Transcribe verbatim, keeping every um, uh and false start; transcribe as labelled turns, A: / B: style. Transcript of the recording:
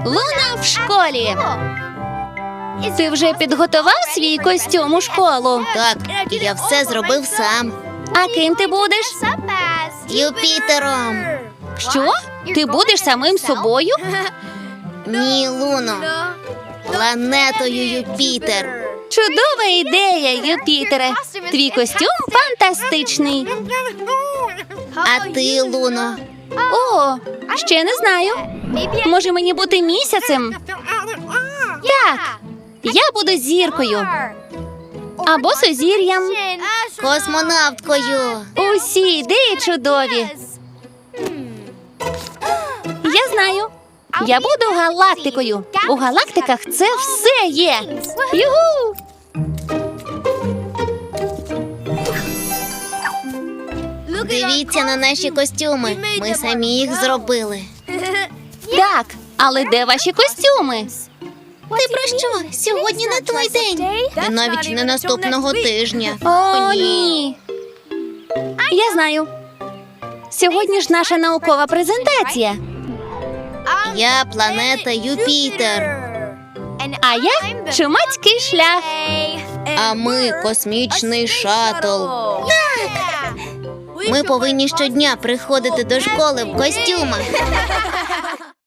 A: Луна в школі. Ти вже підготував свій костюм у школу?
B: Так, я все зробив сам.
A: А ким ти будеш?
B: Юпітером.
A: Що? Ти будеш самим собою?
B: Ні, Луно. Планетою Юпітер.
A: Чудова ідея, Юпітере. Твій костюм фантастичний.
B: А ти, Луно?
A: О, ще не знаю. Може мені бути місяцем? Так, я буду зіркою. Або сузір'ям.
B: Космонавткою.
A: Усі ідеї чудові. Я знаю. Я буду галактикою. У галактиках це все є. Югу!
B: Дивіться на наші костюми. Ми самі їх зробили.
A: Так, але де ваші костюми?
B: Ти про що? Сьогодні не той день. І навіть не наступного тижня.
A: О, ні. Я знаю. Сьогодні ж наша наукова презентація.
B: Я планета Юпітер.
A: А я чумацький шлях.
B: А ми космічний шаттл. Ми повинні щодня приходити до школи в костюмах.